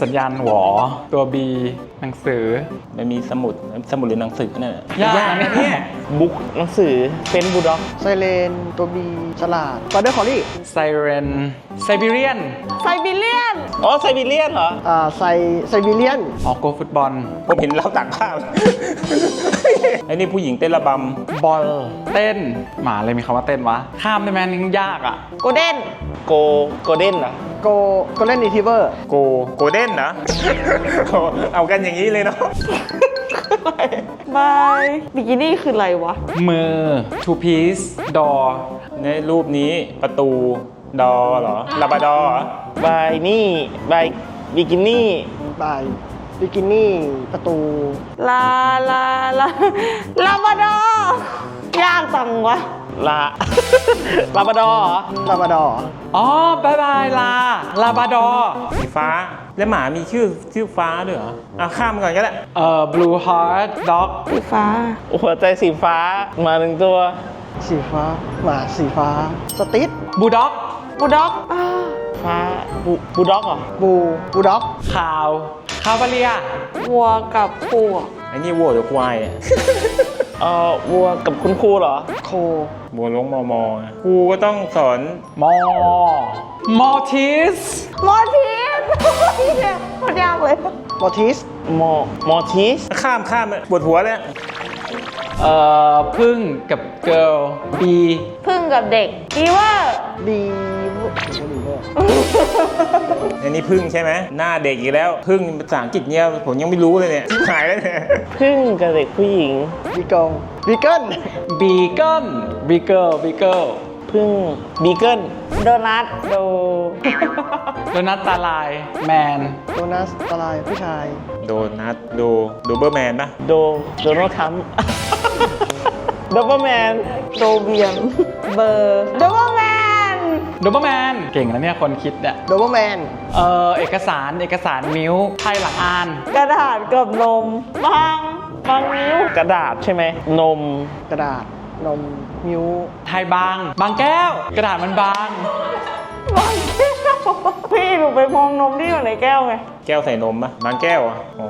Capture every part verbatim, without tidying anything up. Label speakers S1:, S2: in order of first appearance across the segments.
S1: สัญญาณหวอตัว B หนังสือ
S2: มันมีสมุดสมุดหรือหนังสือเนี่ย
S1: ยากนะเนี่ย
S2: บุ๊กหนังสือเป็นบูลด็อก
S3: ไซเรนตัวบีฉลาดบอร์เดอร์คอลลี่
S1: ไซเรนไซบีเรียน
S4: ไซบีเรียน
S2: อ๋อไซบีเรียนเหรอ
S3: อ่าไซไซบีเรียน
S1: ออกโกฟุตบอล
S2: ผมเห็นเราตักผ้าไอ้นี่ผู้หญิงเต้นระบ
S1: บอลเต้นหมาเลยมีคำว่าเต้นวะข้ามได้ไหมนี่ยากอ่ะ
S4: โกลเด้น
S2: ำโกโกเด้นเหรอ
S3: โกโกลเด้นรีทิเวอร์
S2: โกโกเด้นนะ เอากันอย่างนี้เลยเนาะ
S4: บายบิกินี่คืออะไรวะ
S1: มือ two piece door
S2: ในรูปนี้ประตูดอเหรอลาบาดอเหรอบายนี่บายบิกินี่
S3: บายบิกินี่ ประตู
S4: ลาลาลาลาบาดอร์ยากจังวะ
S2: ลา ลาบาดอเหรอ
S3: ลาบาดอร์
S1: อ๋อบายบายลาลาบาดอร์
S2: สีฟ้าแล้วหมามีชื่อชื่อฟ้าด้วยเหรออ่ะข้ามก่อนก็ได้
S1: เอ่อ blue heart dog
S4: สีฟ้า
S2: หัวใจสีฟ้ามาหนึ่งตัว
S3: สีฟ้า หมาสีฟ้า สติ๊ด
S1: บูด็อก
S4: บูด็อกอ่า
S2: ฟ้าบูบูด็อกเหรอ
S3: บูบูด็อก
S1: ขาวคาวาเลีย
S4: วัวกับปูอะ
S2: ไอ้นี่วัวหรือควายอ่ะ เออวัวกับคุณครูเหรอ
S3: โค
S2: วัวลงมอมอครูก็ต้องสอน
S1: มอมอทิส
S4: มอทีสโคตรยากเลย
S3: มอทิส
S2: มอมอทิสข้ามข้ามปวดหัวเลย
S1: เอ่อพึ่งกับเกิร์ล B
S4: พึ่งกับเด็กบีเวอร์
S3: บีบูบีเวอร์
S2: อันนี้พึ่งใช่ไหมหน้าเด็กอีกแล้วพึ่งภาษาอังกฤษเนี่ยผมยังไม่รู้เลยเนี่ยหายแล้วเนี่ยพึ่งกับเด็กผู้หญิง
S3: บีเกิลบีเกิล
S1: บีเกิลบีเกิลบีเกิล
S2: พึ่งบีเกิล
S4: โดนัทโด
S1: โดนัทตาลายแมน
S3: โดนัสตะลายผู้ชาย
S2: โดนัทโดโดเบอร์แมนปะโดโดนัลด์ทรัมป์ โดเบอร์แมน
S4: โดเบียนเบอร์โดเบอร์แมน
S1: โดเบอร์แมนเก่งนะเนี่ยคนคิดเนี่ย
S3: โดเบอร์แมน
S1: เอ่อเอกสารเอกสารมิ้วไพ่หลังอ่าน
S4: กระดาษกับนมบางบางนิ้ว
S2: กระดาษใช่ไหมนม
S3: กระดาษ นม มิว
S1: ไทยบาง บางแก้ว กระดาษมันบาง
S4: บางแก้วพี่หนูไปมองนมที่อยู่ในแก้วไง
S2: แก้วใส่นมปะบางแก้วอ่ะอ๋อบ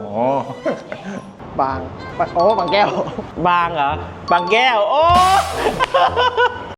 S3: าง โอ้ บางแก้ว
S2: บางเหรอบางแก้วโอ้